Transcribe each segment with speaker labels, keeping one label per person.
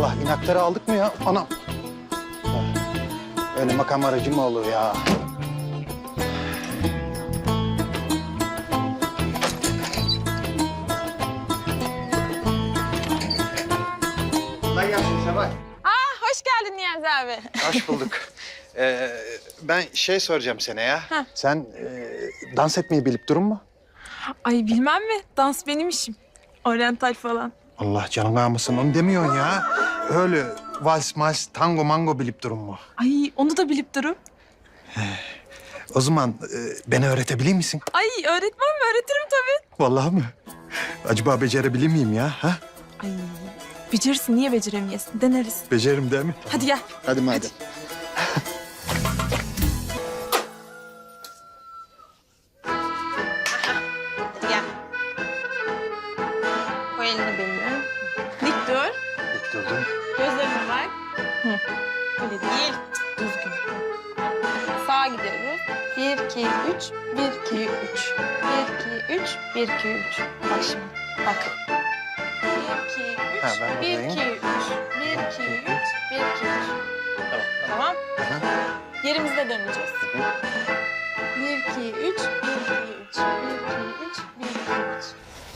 Speaker 1: Allah, inakları aldık mı ya? Anam. Ha, öyle makam aracı mı olur ya? Kolay gelsin Seval.
Speaker 2: Hoş geldin Niyazi abi.
Speaker 1: Hoş bulduk. Ben şey soracağım sana ya.
Speaker 2: Heh.
Speaker 1: Sen dans etmeyi bilip durun mu?
Speaker 2: Ay bilmem mi? Dans benim işim. Oryantal falan.
Speaker 1: Allah canını almasın, onu demiyorsun ya. Öyle vals, mals, tango, mango bilip durun mu?
Speaker 2: Ay onu da bilip durun.
Speaker 1: O zaman beni öğretebilir misin?
Speaker 2: Ay öğretmem mi? Öğretirim tabii.
Speaker 1: Vallahi mi? Acaba becerebilir miyim ya? Ha?
Speaker 2: Ay becerirsin. Niye beceremeyesin? Deneriz.
Speaker 1: Beceririm değil mi?
Speaker 2: Hadi gel.
Speaker 1: Hadi madem.
Speaker 2: Gel. Koy elini beline. Dik dur.
Speaker 1: Dik durdum.
Speaker 2: Gözlerine bak. Hı. Öyle değil. Düzgün. Sağa gidiyoruz. 1, 2, 3. 1, 2, 3. 1, 2, 3. 1, 2, 3. Bak şimdi. Bak. 1, 2, 3.
Speaker 1: Ha, ben
Speaker 2: 1, 2, 3. 1, 2, 3.
Speaker 1: buradayım.
Speaker 2: 1, 2, 3. 1, 2, 3. Tamam.
Speaker 1: Aha.
Speaker 2: Yerimizde döneceğiz. 1, 2, 3. 1, 2, 3. 1, 2, 3. 1, 2, 3.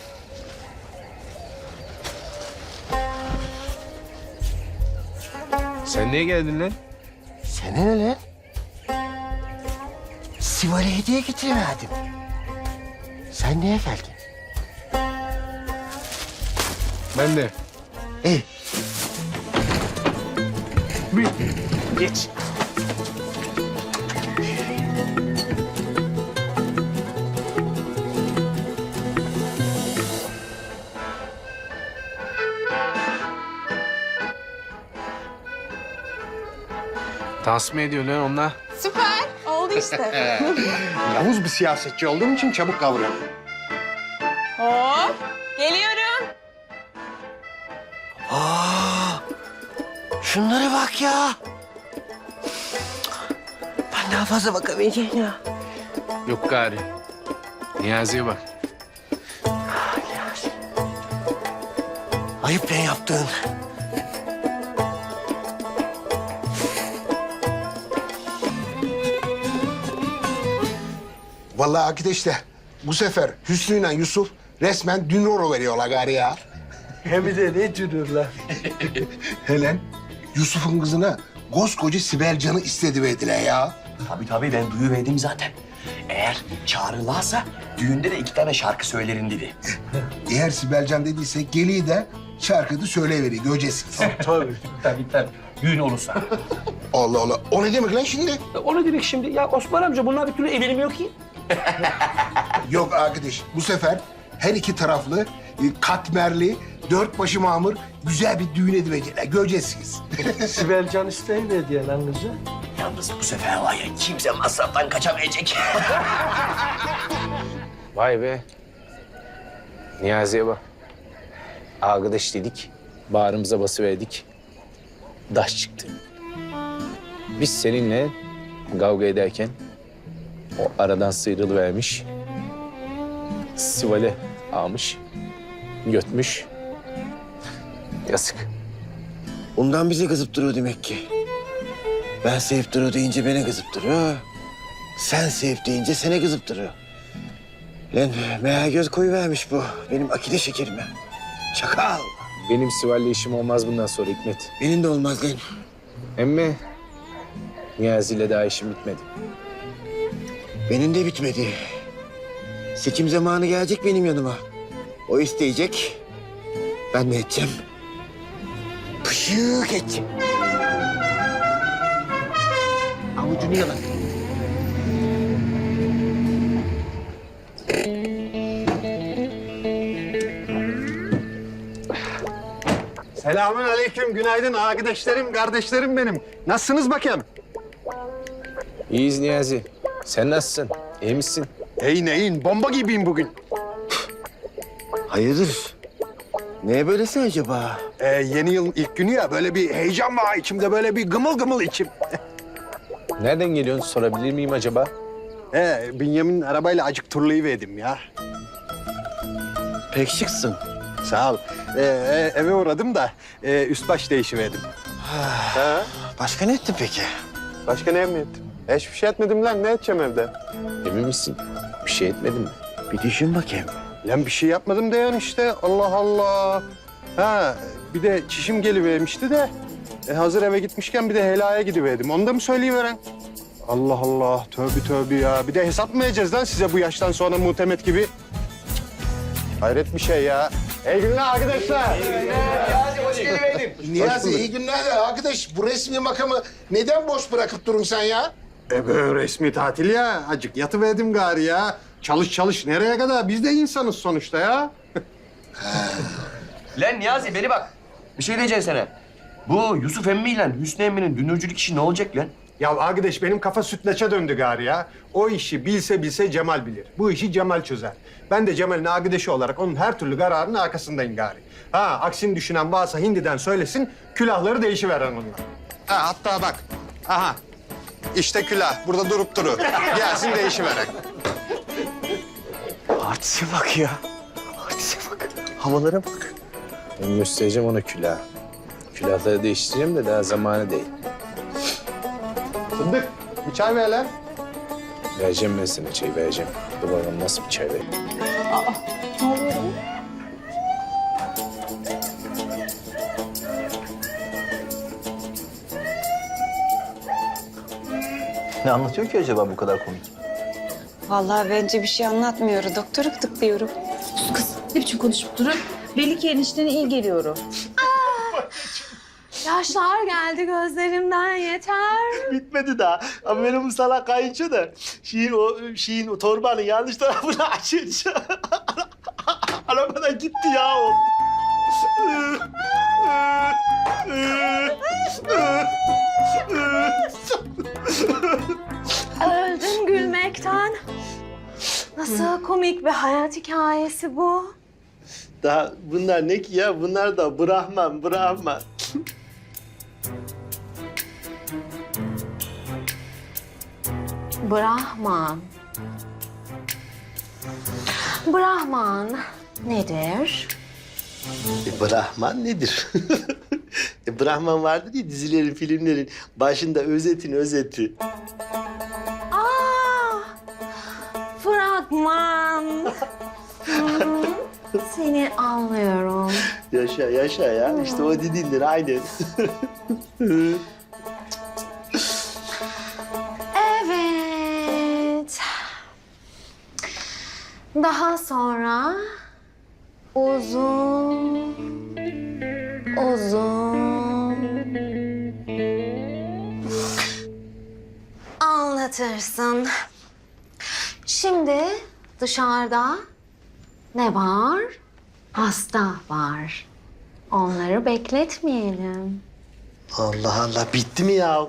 Speaker 3: Sen niye geldin lan?
Speaker 4: Sana ne lan? Sival'e hediye getiremedim. Sen niye geldin?
Speaker 3: Ben de.
Speaker 4: İyi.
Speaker 3: Geç. Dans mı ediyor lan onunla?
Speaker 2: Süper. Oldu işte.
Speaker 1: Yavuz bir siyasetçi olduğum için çabuk kavruyorum.
Speaker 2: Hop. Geliyorum.
Speaker 4: Şunlara bak ya. Ben daha fazla bakamayacağım ya.
Speaker 3: Yok gari. Niyazi'ye bak.
Speaker 4: Ayıp lan yaptığın.
Speaker 5: Vallahi arkadaşlar bu sefer Hüsnü ile Yusuf resmen dünroro veriyorlar gari ya.
Speaker 4: Hem de ne cürürler.
Speaker 5: Helen Yusuf'un kızına koskoca Sibel Can'ı istedi verdiler ya.
Speaker 6: Tabii ben duyuverdim zaten. Eğer çağrılarsa düğünde de 2 tane şarkı söylerin dedi.
Speaker 5: Eğer Sibel Can dediyse geliyi de şarkıda söyleyiveriyor göreceksiniz.
Speaker 6: Tabii. Düğün olursa.
Speaker 5: Allah Allah. O ne demek lan şimdi?
Speaker 6: O ne demek şimdi? Ya Osman amca bunlar bir türlü evlenmiyor ki.
Speaker 5: Yok arkadaş bu sefer her iki taraflı katmerli 4 başı mamur güzel bir düğün ediverecekler. Göreceksiniz.
Speaker 4: Sibel Can isteği diye lan kızı.
Speaker 6: Yalnız bu sefer var ya kimse masraftan kaçamayacak.
Speaker 3: Vay be. Niyazi'ye bak. Arkadaş dedik, bağrımıza basıverdik. Daş çıktı. Biz seninle kavga ederken o aradan sıyrılıvermiş. Sival'e almış, götmüş. Yazık.
Speaker 4: Ondan bize kızıp duruyor demek ki. Ben sevip duruyor deyince beni kızıp duruyor. Sen sevip deyince seni kızıp duruyor. Lan meğer göz koyuvermiş bu benim akide şekerime. Çakal.
Speaker 3: Benim Sival'le işim olmaz bundan sonra Hikmet.
Speaker 4: Benim de olmaz lan.
Speaker 3: Emmi, Niyazi'yle daha işim bitmedi.
Speaker 4: Benim de bitmedi. Seçim zamanı gelecek benim yanıma. O isteyecek. Ben ne edeceğim? Pışık edeceğim. Avucunu yalan.
Speaker 1: Selamün aleyküm, günaydın arkadaşlarım, kardeşlerim benim. Nasılsınız bakayım?
Speaker 3: İyiyiz Niyazi. Sen nasılsın? İyi misin?
Speaker 1: Neyin, bomba gibiyim bugün.
Speaker 4: Hayırdır? Neye böylesin acaba?
Speaker 1: Yeni yılın ilk günü ya, böyle bir heyecan var içimde, böyle bir gımıl gımıl içim.
Speaker 3: Nereden geliyorsun sorabilir miyim acaba?
Speaker 1: Bünyamin'in arabayla acık turlayıverdim ya.
Speaker 4: Pek şıksın.
Speaker 3: Sağ ol. Eve uğradım da üst baş değişiverdim. Ha?
Speaker 4: Başka ne ettin peki?
Speaker 3: Başka ne ettim? Hiçbir şey etmedim lan. Ne edeceğim evde? Emin misin? Bir şey etmedim mi?
Speaker 4: Bir düşün bakayım.
Speaker 3: Lan bir şey yapmadım diyorsun işte. Allah Allah. Ha, bir de çişim gelivermişti de hazır eve gitmişken bir de helaya gidiverdim. Onu da mı söyleyiveren? Allah Allah. Tövbe tövbe ya. Bir de hesap mı edeceğiz lan size bu yaştan sonra muhtemet gibi? Cık. Hayret bir şey ya. İyi günler arkadaşlar.
Speaker 5: Niyazi iyi günler de arkadaş. Bu resmi makamı neden boş bırakıp durun sen ya?
Speaker 3: Böyle resmi tatil ya. Acık yatıverdim gari ya. Çalış çalış. Nereye kadar? Biz de insanız sonuçta ya.
Speaker 6: Lan Niyazi beni bak. Bir şey diyeceğim sana. Bu Yusuf emmiyle Hüsnü emminin dünürcülük işi ne olacak lan?
Speaker 3: Ya arkadaş benim kafa sütlaça döndü gari ya. O işi bilse Cemal bilir. Bu işi Cemal çözer. Ben de Cemal'in arkadaşı olarak onun her türlü kararının arkasındayım gari. Ha aksini düşünen varsa hindiden söylesin, külahları değişiveren onlar. Ha hatta bak, aha işte külah burada durup duru. Gelsin değişiveren.
Speaker 4: Artiste bak ya. Artiste bak. Havalara bak.
Speaker 3: Ben göstereceğim ona külahı. Külahları değiştireceğim de daha zamanı değil. Fındık, bir çay ver lan. Vereceğim ben sana çay, vereceğim. Dur bakalım nasıl bir çay vereyim.
Speaker 2: Ne oluyor?
Speaker 6: Ne anlatıyor ki acaba bu kadar komik?
Speaker 7: Vallahi bence bir şey anlatmıyor. Doktoru gıdıklıyorum.
Speaker 8: Kız ne biçim konuşup durun? Belli ki eniştene iyi geliyorum.
Speaker 2: Yaşlar geldi gözlerimden yeter.
Speaker 9: Bitmedi daha. Ama benim bu salak kayınço da şeyin o torbanın yanlış tarafını açınca arabadan gitti ya o.
Speaker 2: Öldüm gülmekten. Nasıl komik bir hayat hikayesi bu.
Speaker 9: Daha bunlar ne ki ya? Bunlar da Brahman.
Speaker 2: Brahman. Brahman nedir?
Speaker 9: Brahman nedir? Brahman vardı diye dizilerin, filmlerin başında özeti.
Speaker 2: Fragman. Seni anlıyorum.
Speaker 9: Yaşa ya. İşte o dediğindir aynen.
Speaker 2: Evet. Daha sonra uzun anlatırsın. Şimdi dışarıda ne var? Hasta var. Onları bekletmeyelim.
Speaker 9: Allah Allah bitti mi ya?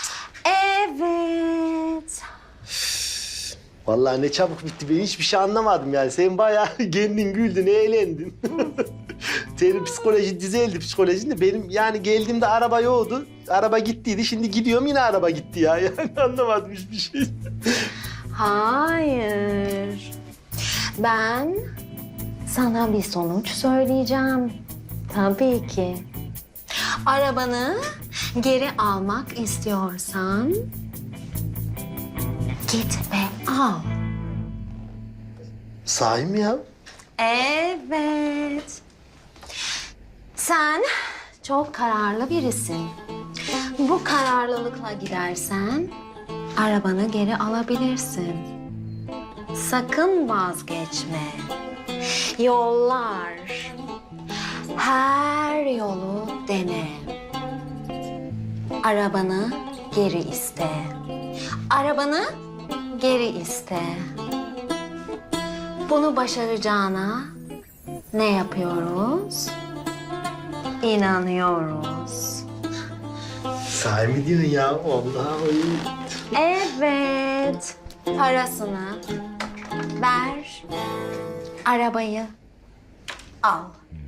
Speaker 2: Evet.
Speaker 9: Vallahi ne çabuk bitti. Ben hiçbir şey anlamadım yani. Sen bayağı kendin güldün, eğlendin. Senin psikoloji düzeldi psikolojin de. Benim yani geldiğimde araba yoktu. Araba gittiydi. Şimdi gidiyorum yine araba gitti ya. Yani anlamadım hiçbir şey.
Speaker 2: Hayır. Ben sana bir sonuç söyleyeceğim. Tabii ki. Arabanı geri almak istiyorsan git ve al.
Speaker 9: Sahi mi ya?
Speaker 2: Evet. Sen çok kararlı birisin. Bu kararlılıkla gidersen arabanı geri alabilirsin. Sakın vazgeçme. Yollar. Her yolu dene. Arabanı geri iste. Arabanı geri iste. Bunu başaracağına ne yapıyoruz? İnanıyoruz.
Speaker 9: Sahi mi diyorsun ya? Vallahi.
Speaker 2: Evet. Parasını ver. Arabayı al.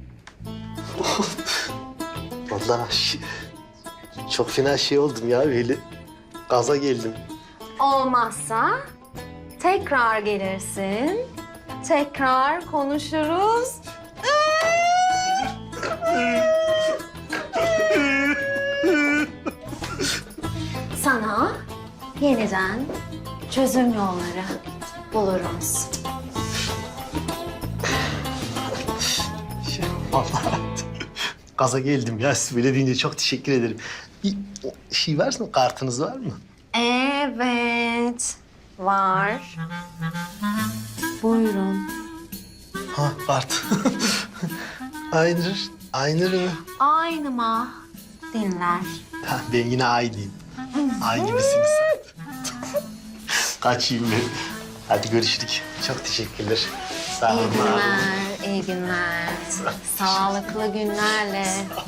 Speaker 9: Vallahi çok fena şey oldum ya böyle. Gaza geldim.
Speaker 2: Olmazsa tekrar gelirsin. Tekrar konuşuruz.
Speaker 10: yeniden çözüm yolları buluruz.
Speaker 9: Vallahi gaza geldim ya. Siz böyle deyince çok teşekkür ederim. Bir şey var mı? Kartınız var mı?
Speaker 10: Evet, var. Buyurun.
Speaker 9: Ha, kart. Aynır mı?
Speaker 10: Aynı mı dinler?
Speaker 9: Ha, ben yine aynıyım. Ay gibisiniz. Kaçayım ben. Hadi görüşürük. Çok teşekkürler. Sağ olun.
Speaker 10: İyi günler, iyi günler. Sağlıklı günlerle.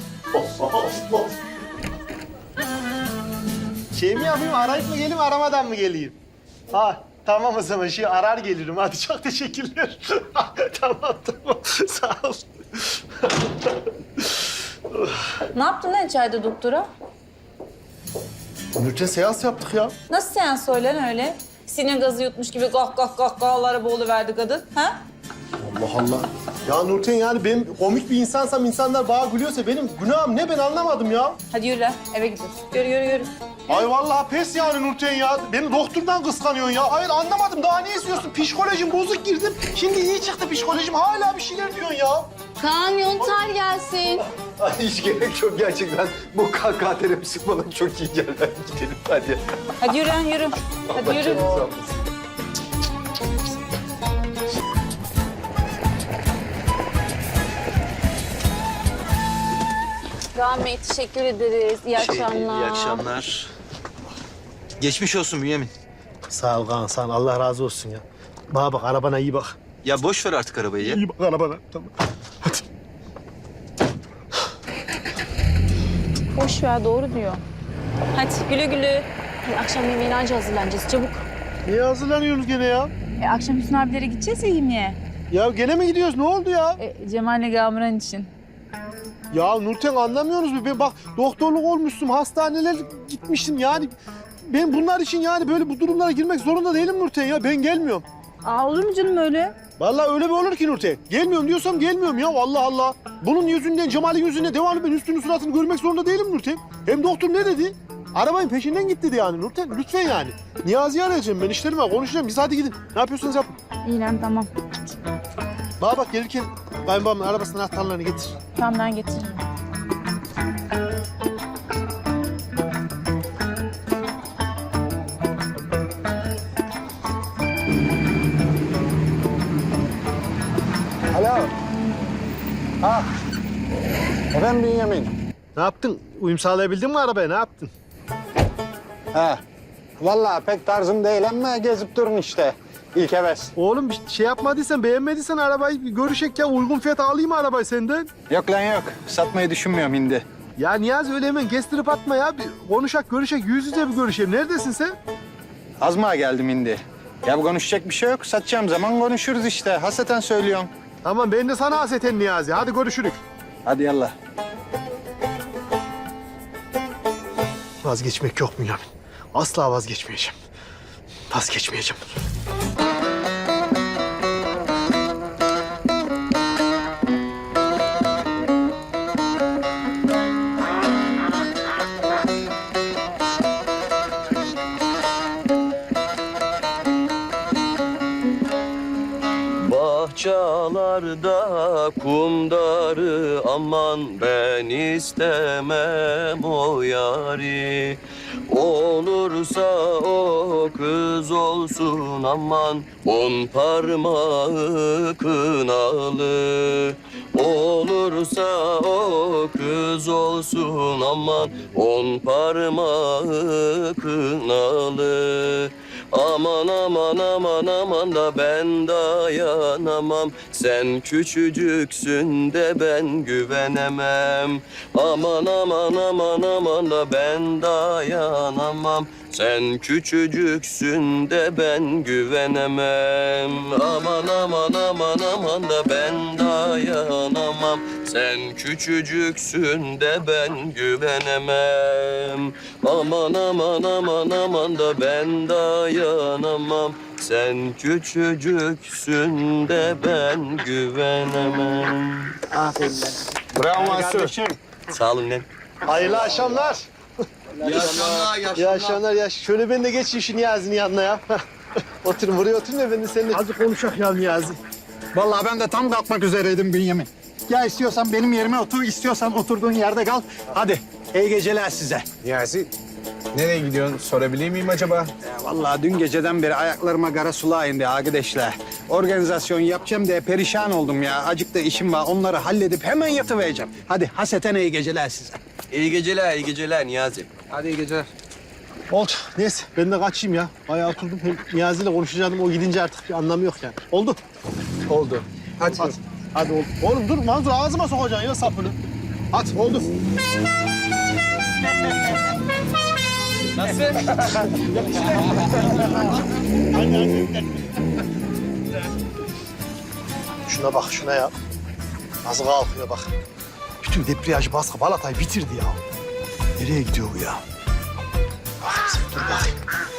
Speaker 9: Şey mi yapayım, arayıp mı geleyim, aramadan mı geleyim? Ha, tamam o zaman arar gelirim. Hadi çok teşekkürler. Tamam. Sağ ol.
Speaker 8: Ne yaptın lan içeride doktora?
Speaker 9: Nurten seans yaptık ya.
Speaker 8: Nasıl seans söylen öyle? Sinir gazı yutmuş gibi kahkahalara boğuluverdi kadın. Ha?
Speaker 9: Allah Allah. Ya Nurten yani ben komik bir insansam, insanlar bana gülüyorsa benim günahım ne ben anlamadım ya.
Speaker 8: Hadi yürü lan eve gidiyoruz. Yürü.
Speaker 9: Ay vallahi pes yani Nurten ya. Beni doktordan kıskanıyorsun ya. Hayır anlamadım. Daha ne istiyorsun? Psikolojim bozuk girdim. Şimdi iyi çıktı psikolojim. Hala bir şeyler diyorsun ya.
Speaker 2: Kaan Yontar gelsin.
Speaker 3: Ay, hiç gerek yok gerçekten. Bu kahkaha terapisi bana çok iyi geldi. Hadi gidelim hadi.
Speaker 8: Hadi yürü lan yürü. Hadi yürü. Kaan Bey teşekkür ederiz. İyi akşamlar.
Speaker 11: İyi akşamlar. Geçmiş olsun Bünyamin.
Speaker 9: Sağ ol Kaan, sağ ol. Allah razı olsun ya. Bana bak, arabana iyi bak.
Speaker 11: Ya boş ver artık arabayı ya.
Speaker 9: İyi bak arabana. Tamam. Hadi.
Speaker 8: Boş ver doğru diyor. Hadi güle güle. Akşam yemeğine anca hazırlanacağız çabuk.
Speaker 9: Niye hazırlanıyorsunuz gene ya?
Speaker 8: Akşam Hüsnü abilere gideceğiz ya yemeğe.
Speaker 9: Ya gene mi gidiyoruz? Ne oldu ya?
Speaker 8: Cemal'le Gamuran için.
Speaker 9: Ya Nurten anlamıyorsunuz mu? Ben bak doktorluk olmuşsun, hastaneler gitmiştim yani. Ben bunlar için yani böyle bu durumlara girmek zorunda değilim Nurten ya. Ben gelmiyorum.
Speaker 8: Olur mu canım öyle?
Speaker 9: Vallahi öyle mi olur ki Nurten? Gelmiyorum diyorsam gelmiyorum ya. Allah Allah. Bunun yüzünden, Cemal'in yüzünden devamlı ben üstünü suratını görmek zorunda değilim Nurten. Hem doktor ne dedi? Arabanın peşinden git dedi yani Nurten. Lütfen yani. Niyazi'yi arayacağım ben, işlerim var, konuşacağım. Biz hadi gidin. Ne yapıyorsanız yapın.
Speaker 8: İyi lan tamam.
Speaker 9: Bana bak gelirken kayınbabamın arabasının anahtarlarını getir.
Speaker 8: Tamam ben getiririm.
Speaker 3: Alo. Ha. Efendim Bünyamin.
Speaker 9: Ne yaptın? Uyum sağlayabildin mi arabaya? Ne yaptın?
Speaker 3: He. Vallahi pek tarzım değil ama gezip durun işte. İlk heves.
Speaker 9: Oğlum bir şey yapmadıysan, beğenmediysen arabayı bir görüşek ya. Uygun fiyata alayım arabayı senden.
Speaker 1: Yok lan yok. Satmayı düşünmüyorum hindi.
Speaker 9: Ya Niyazi öyle hemen kestirip atma ya. Bir konuşak, görüşek, yüz yüze bir görüşelim. Neredesin sen?
Speaker 1: Azmağa geldim hindi. Ya bu konuşacak bir şey yok. Satacağım zaman konuşuruz işte. Hasreten söylüyorum.
Speaker 9: Tamam ben de sana haseten Niyazi. Hadi görüşürük.
Speaker 1: Hadi yallah.
Speaker 9: Vazgeçmek yok mu Yamin? Asla vazgeçmeyeceğim. Vazgeçmeyeceğim.
Speaker 6: Bahçalarda kumdarı aman ben istemem o yari. Olursa o kız olsun aman 10 parmağı kınalı. Olursa o kız olsun aman 10 parmağı kınalı. Aman aman aman aman da ben dayanamam. Sen küçücüksün de ben güvenemem. Aman aman aman aman da ben dayanamam. Sen küçücüksün de ben güvenemem. Aman aman aman aman da ben dayanamam. Sen küçücüksün de ben güvenemem. Aman aman aman aman da ben dayanamam. Sen küçücüksün de ben güvenemem.
Speaker 9: Aferin lan.
Speaker 3: Bravo Mansur.
Speaker 6: Sağ olun lan.
Speaker 9: Hayırlı akşamlar. İyi akşamlar ya. Şöyle ben de geçeyim şu Niyazi'nin yanına ya. Oturun buraya oturun da ben de seninle...
Speaker 1: Hadi konuşak ya Niyazi. Vallahi ben de tam kalkmak üzereydim Bünyamin. Ya istiyorsan benim yerime otur, istiyorsan oturduğun yerde kal. Hadi iyi geceler size.
Speaker 3: Niyazi, nereye gidiyorsun? Sorabilir miyim acaba?
Speaker 1: Ya vallahi dün geceden beri ayaklarıma kara sulağa indi arkadaşlar. Organizasyon yapacağım diye perişan oldum ya. Acık da işim var. Onları halledip hemen yatıvereceğim. Hadi haseten iyi geceler size.
Speaker 11: İyi geceler Niyazi.
Speaker 1: Hadi iyi geceler.
Speaker 9: Oldu. Neyse ben de kaçayım ya. Bayağı oturdum. Hem Niyazi'yle konuşacaktım. O gidince artık bir anlamı yok yani. Oldu.
Speaker 3: Oldu. Hadi.
Speaker 9: Hadi oldu. Oğlum dur Manzur ağzıma sokacaksın ya sapını. Hadi oldu. Şuna bak şuna ya. Nasıl kalkıyor bak. Bütün debriyaj baskı balatayı bitirdi ya. Nereye gidiyor bu ya? Bak sen dur bakayım.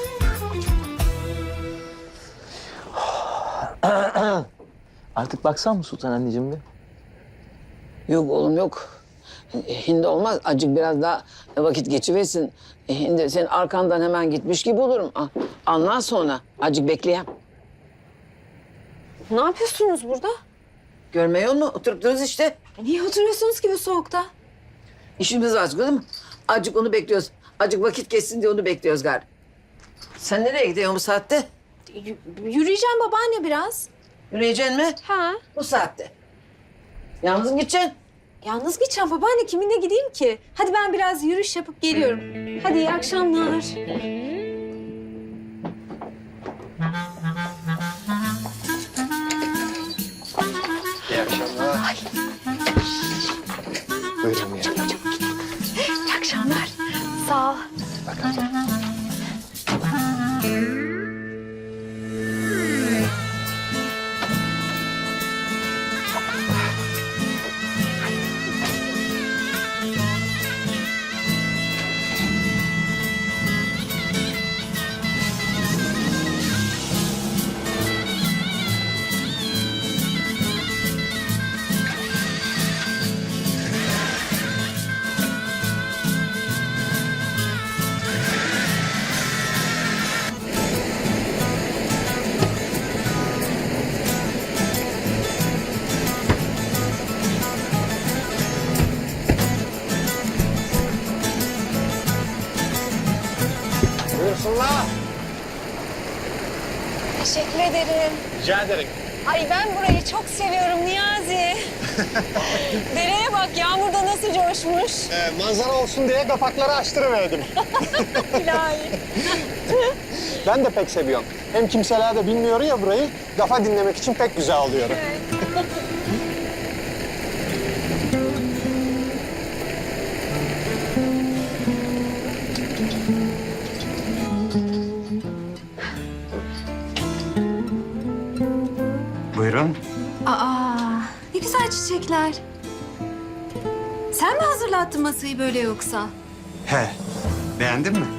Speaker 11: Artık baksan mı Sultan anneciğim bir?
Speaker 12: Yok oğlum yok. Hindi olmaz. Acık biraz daha vakit geçiversin. Hindi senin arkandan hemen gitmiş gibi olurum. Anlar sonra. Acık bekleyeyim.
Speaker 2: Ne yapıyorsunuz burada?
Speaker 12: Görmüyor musun? Oturup dururuz işte.
Speaker 2: Niye oturuyorsunuz ki bu soğukta?
Speaker 12: İşimiz var değil mi? Acık onu bekliyoruz. Acık vakit geçsin diye onu bekliyoruz galiba. Sen nereye gidiyorsun bu saatte?
Speaker 2: Yürüyeceğim babaanne biraz.
Speaker 12: Yürüyeceksin mi?
Speaker 2: Ha.
Speaker 12: Bu saatte. Yalnız mı gideceksin?
Speaker 2: Yalnız gideceğim babaanne. Kiminle gideyim ki? Hadi ben biraz yürüyüş yapıp geliyorum. Hadi iyi akşamlar.
Speaker 3: Buyurun ya.
Speaker 2: İyi akşamlar. Sağ ol.
Speaker 3: Buyursunlar.
Speaker 2: Teşekkür ederim.
Speaker 3: Rica ederim.
Speaker 2: Ay ben burayı çok seviyorum Niyazi. Dereye bak yağmurda nasıl coşmuş.
Speaker 3: Manzara olsun diye kapakları açtırıverdim.
Speaker 2: İlahi.
Speaker 3: Ben de pek seviyorum. Hem kimseler de bilmiyor ya burayı. Kafa dinlemek için pek güzel oluyor.
Speaker 1: Buyurun.
Speaker 2: Aa, ne güzel çiçekler. Sen mi hazırlattın masayı böyle yoksa?
Speaker 1: He. Beğendin mi?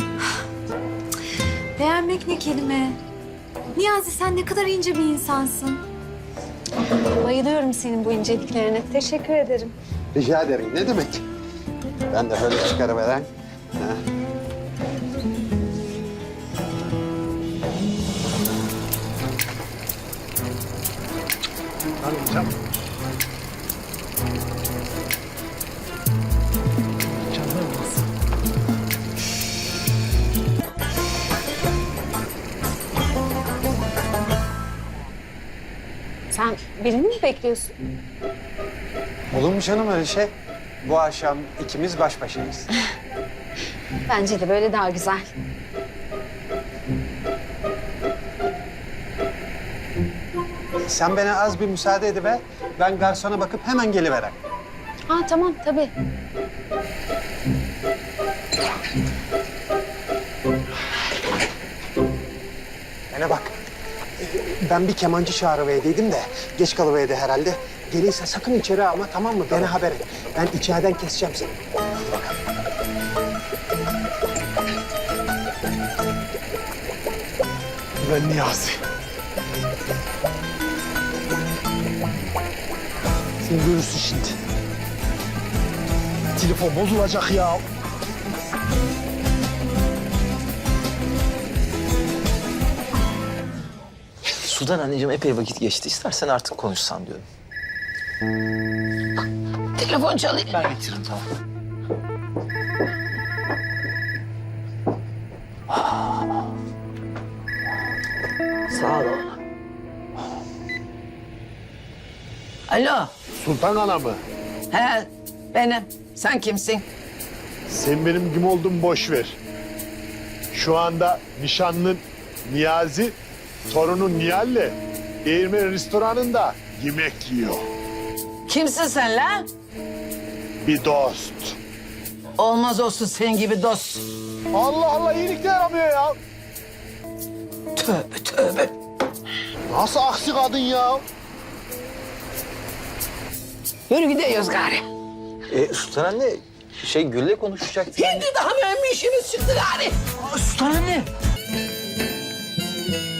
Speaker 2: Beğenmek ne kelime? Niyazi sen ne kadar ince bir insansın. Bayılıyorum senin bu inceliklerine. Teşekkür ederim.
Speaker 3: Rica ederim. Ne demek? Ben de öyle çıkarıveren.
Speaker 2: Sen birini mi bekliyorsun?
Speaker 3: Olur mu canım öyle şey? Bu akşam ikimiz baş başayız.
Speaker 2: Bence de böyle daha güzel.
Speaker 3: Sen bana az bir müsaade ediver. Ben garsona bakıp hemen geliverem.
Speaker 2: Ha tamam tabii.
Speaker 3: Bana bak. Ben bir kemancı çağırıverdiydim de geç kalıverdi herhalde. Gelirse sakın içeri alma tamam mı? Bana haber et. Ben içeriden keseceğim seni. Hadi bakalım. Ben Niyazi. Sen görürsün şimdi. Telefon bozulacak ya.
Speaker 11: Sudan anneciğim epey vakit geçti. İstersen artık konuşsan diyorum.
Speaker 12: Telefon çalıyor.
Speaker 11: Ben getiririm tamam.
Speaker 12: Sağ ol oğlum. Alo.
Speaker 5: Sultan Ana mı?
Speaker 12: He, benim. Sen kimsin?
Speaker 5: Sen benim kim olduğumu boş ver. Şu anda nişanlın Niyazi, torunun Nihal'le Değirmen restoranında yemek yiyor.
Speaker 12: Kimsin sen lan?
Speaker 5: Bir dost.
Speaker 12: Olmaz olsun senin gibi dost.
Speaker 5: Allah Allah iyilik de yaramıyor ya.
Speaker 12: Tövbe tövbe.
Speaker 5: Nasıl aksi kadın ya?
Speaker 12: Yürü gidiyoruz gari.
Speaker 11: Sultan anne Gül'le konuşacaktık.
Speaker 12: Şimdi daha mühim bir işimiz çıktı gari.
Speaker 11: Sultan anne.